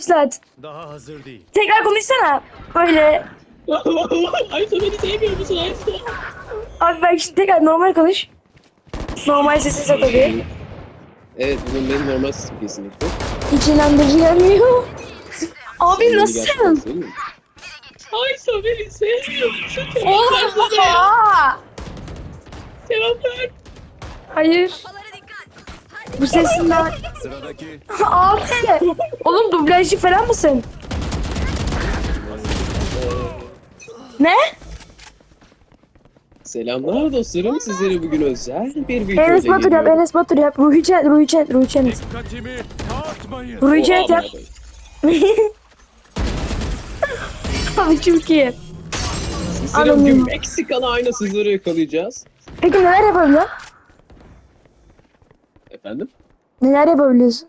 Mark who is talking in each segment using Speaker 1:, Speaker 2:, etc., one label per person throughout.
Speaker 1: Saat.
Speaker 2: Daha hazır değil.
Speaker 1: Tekrar konuşsana. Böyle.
Speaker 3: Ayso beni sevmiyor musun Ayso?
Speaker 1: Abi ben şimdi tekrar normal konuş. Normal sesin tabii.
Speaker 3: Evet bunun benim normal sesim kesinlikle.
Speaker 1: Hiç inandırıcı gelmiyor. Abi
Speaker 3: Beni
Speaker 1: nasılsın?
Speaker 3: gerçekten sevmiyor musun? Ayso beni sevmiyor musun?
Speaker 1: Oha!
Speaker 3: Cevap ver.
Speaker 1: Hayır. Bu sesinden.
Speaker 2: Sıradaki
Speaker 1: Abi. Oğlum dublajcı falan mısın? Ne?
Speaker 3: Selamlar dostlarım. Sizlere bugün özel bir video
Speaker 1: Enes Batur yap, Enes Batur yap. Ruhi Çet, Ruhi Çet, Ruhi Çet.
Speaker 2: dikkatimi dağıtmayın.
Speaker 1: Ruhi Çet yap. Abi çok iyi.
Speaker 3: Sizlere bugün Meksikalı aynasızları yakalayacağız.
Speaker 1: Peki neler yapabiliyorsun?
Speaker 3: Efendim?
Speaker 1: Neler yapabiliyorsun?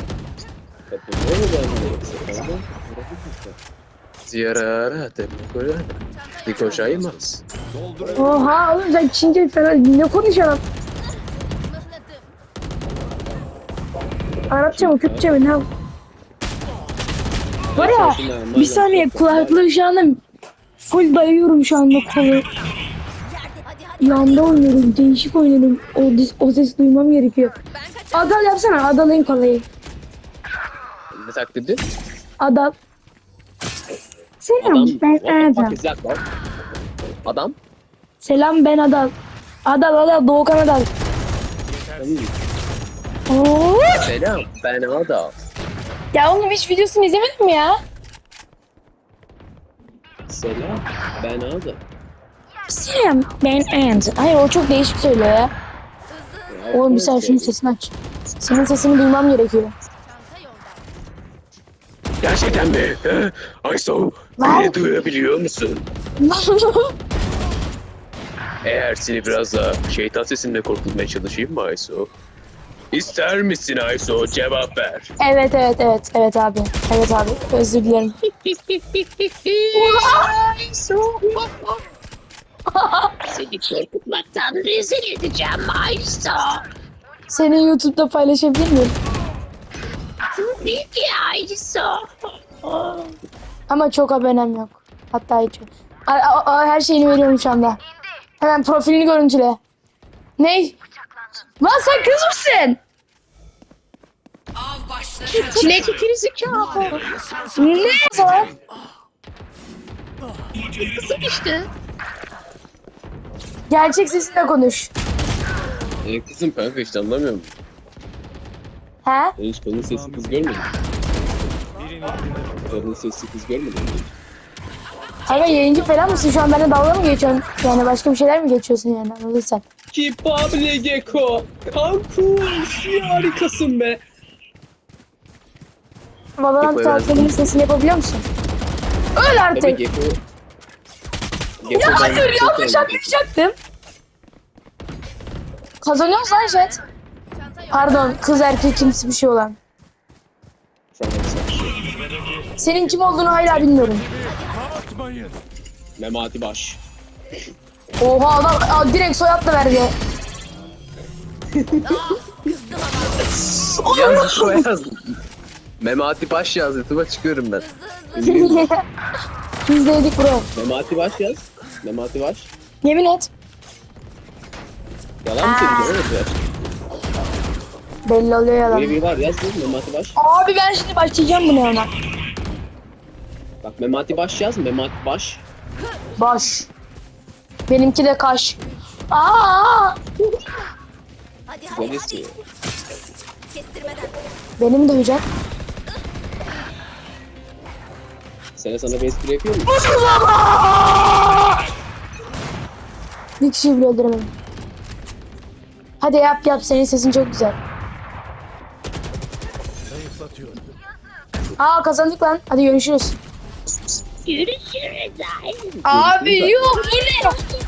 Speaker 3: Ziyarara temekora. Dikoşaymaz.
Speaker 2: Dolduruyor.
Speaker 1: Oha oğlum sen Çince falan ne konuşuyorsun? Arapça mı, Kürtçe mi, ne? Var ya, bir saniye kulaklığı şu anda full dayıyorum şu anda kolu. Yanda oynuyorum, değişik oynuyorum. O ses duymam gerekiyor. Adal yapsana, Adal'ın kolayı.
Speaker 3: Ne taklidi?
Speaker 1: Adal. Selam, ben Adal.
Speaker 3: Adam?
Speaker 1: Selam, ben Adal. Adal, Doğukan Adal. Oo.
Speaker 3: Selam ben Adam.
Speaker 1: Ya oğlum hiç videosunu izlemedin mi ya?
Speaker 3: Selam ben Adam.
Speaker 1: Selam, ben Adal. Hayır o çok değişik söylüyor ya. Oğlum bir sen şunun sesini aç. Senin sesini duymam gerekiyor.
Speaker 3: Gerçekten mi? Ayso, beni duyabiliyor musun? Eğer seni biraz daha şeytan sesinle korkutmaya çalışayım mı Ayso? İster misin Ayso? Cevap ver.
Speaker 1: Evet abi. Evet abi. Özür dilerim.
Speaker 4: Seni korkutmaktan rezil edeceğim Ayso.
Speaker 1: Seni YouTube'da paylaşabilir miyim?
Speaker 4: Peki Ayso.
Speaker 1: Ama çok abonem yok. Hatta hiç yok. Her şeyini veriyorum şu anda. Hemen profilini görüntüle. Ne? Lan sen kız mısın?
Speaker 4: Çilek gerizekalı.
Speaker 1: Ne zaman?
Speaker 4: Kızım işte.
Speaker 1: Gerçek sesinle konuş.
Speaker 3: Kızım kanka hiç anlamıyorum.
Speaker 1: He?
Speaker 3: Ben hiç kadın sesli kız görmedim.
Speaker 2: Birini
Speaker 3: Kadın sesli kız görmedim.
Speaker 1: Abi yayıncı falan mısın? Şu an benimle dalga mı geçiyorsun? Yani başka bir şeyler mi geçiyorsun yani? Anladın sen.
Speaker 3: Kipable Gecko. Kankuş harikasın be.
Speaker 1: Valorant
Speaker 3: Gecko
Speaker 1: karakterinin sesini yapabiliyor musun? Öl
Speaker 3: Tabii
Speaker 1: artık.
Speaker 3: Gecko.
Speaker 1: Ya hayır yanlış anlayacaktım. Kazanıyoruz lan Jet. Pardon kız erkek kimsi bir şey olan. Senin kim olduğunu hala bilmiyorum.
Speaker 2: dağıtmayın.
Speaker 3: Memati Baş.
Speaker 1: Oha adam direkt soyadla verdi.
Speaker 3: Yaz yaz. Memati Baş yaz. YouTube'a çıkıyorum ben.
Speaker 1: Biz de yedik bro.
Speaker 3: Memati Baş yaz. Memati Baş.
Speaker 1: Yemin et.
Speaker 3: Yalan mı söyleyeceğim? Evet ya.
Speaker 1: Belli oluyor yalan.
Speaker 3: Böyle bir var yaz değil mi? Memati Baş.
Speaker 1: Abi ben şimdi başlayacağım buna ona.
Speaker 3: Bak Memati Baş yaz. Memati Baş.
Speaker 1: Baş. Benimki de kaş. Aa!
Speaker 3: Güzel ismi.
Speaker 1: Benim de hocam.
Speaker 3: Sana bir espri yapıyor muyum?
Speaker 1: Bir kişiyi bile öldüremedim. Hadi yap senin sesin çok güzel.
Speaker 2: Zayıflatıyorum.
Speaker 1: Aa kazandık lan. Hadi görüşürüz.
Speaker 4: Görüşürüz Ayso.
Speaker 1: Abi yok bu ne?